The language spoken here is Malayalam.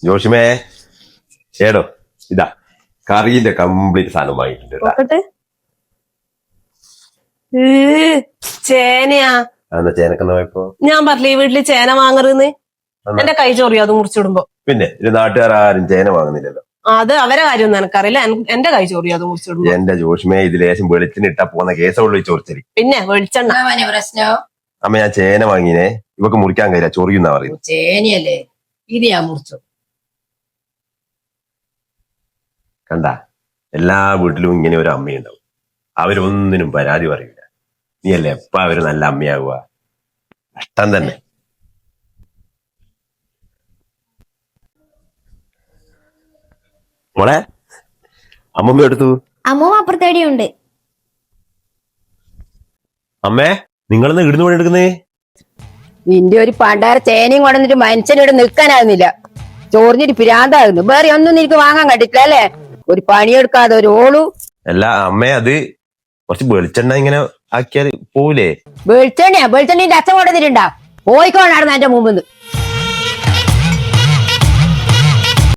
ജോഷിമേ ഏടോ ഇതാ കറീന്റെ കംപ്ലീറ്റ് സാധനം വാങ്ങിയിട്ടുണ്ട് ട്ടാ. നോക്കട്ടെ. ചേനയാ? അതെന്താ ചേനക്കെന്ന് പോയപ്പോ ഞാൻ പറഞ്ഞില്ലേ ഈ വീട്ടില് ചേന വാങ്ങരുന്ന്. എന്റെ കൈ ചൊറിയോ അത് മുറിച്ചിടുമ്പോ? പിന്നെ ഇത് നാട്ടുകാർ ആരും ചേന വാങ്ങുന്നില്ലല്ലോ. അത് അവരെ കാര്യമൊന്നും എനിക്കറിയില്ല. എന്റെ കൈ ചൊറിയോ അത് മുറിച്ചിടുമ്പോ? എന്റെ ജോഷിമേ ഇത് ലേശം വെളിച്ചിനിട്ടാ പോകുന്ന കേസുള്ളൂ ഈ ചോറിച്ചരി. പിന്നെ വെളിച്ചെണ്ണ. പ്രശ്നം അമ്മ ഞാൻ ചേന വാങ്ങിനെ ഇവക്ക് മുറിക്കാൻ കഴിയില്ല ചൊറിയുന്നാ പറയുന്നത്. ചേനയല്ലേ ഇത് ഞാൻ മുറിച്ചു. കണ്ട എല്ലാ വീട്ടിലും ഇങ്ങനെ ഒരു അമ്മയുണ്ടാവും. അവരൊന്നിനും പരാതി പറയില്ല. നീയല്ലേ എപ്പ അവര് നല്ല അമ്മയാവുക? കഷ്ടം തന്നെ. മോളെ അമ്മമ്മ എടുത്തു. അമ്മൂമ്മ അപ്പുറത്തേടിയുണ്ട്. അമ്മേ നിങ്ങളെന്ന് ഇടുന്നു പണി എടുക്കുന്നേ? നിന്റെ ഒരു പണ്ടാര ചേനയും കൊണ്ടുവന്നിട്ട് മനുഷ്യനിവിടെ നിൽക്കാനാകുന്നില്ല. ചോറിഞ്ഞിട്ട് പിരാന്താകുന്നു. വേറെ ഒന്നും നിനക്ക് വാങ്ങാൻ കണ്ടിട്ടില്ല അല്ലേ? ഒരു പണിയെടുക്കാതെ ഒരു ഓളു. അല്ല അമ്മേ അത് കുറച്ച് വെളിച്ചെണ്ണ ഇങ്ങനെ ആക്കിയാൽ പോവില്ലേ? വെളിച്ചെണ്ണയാ? വെളിച്ചെണ്ണീന്റെ അച്ഛൻ കൊണ്ടുവന്നിട്ടുണ്ടാ? പോയിക്കോണായിരുന്നു എന്റെ മുമ്പിന്ന്.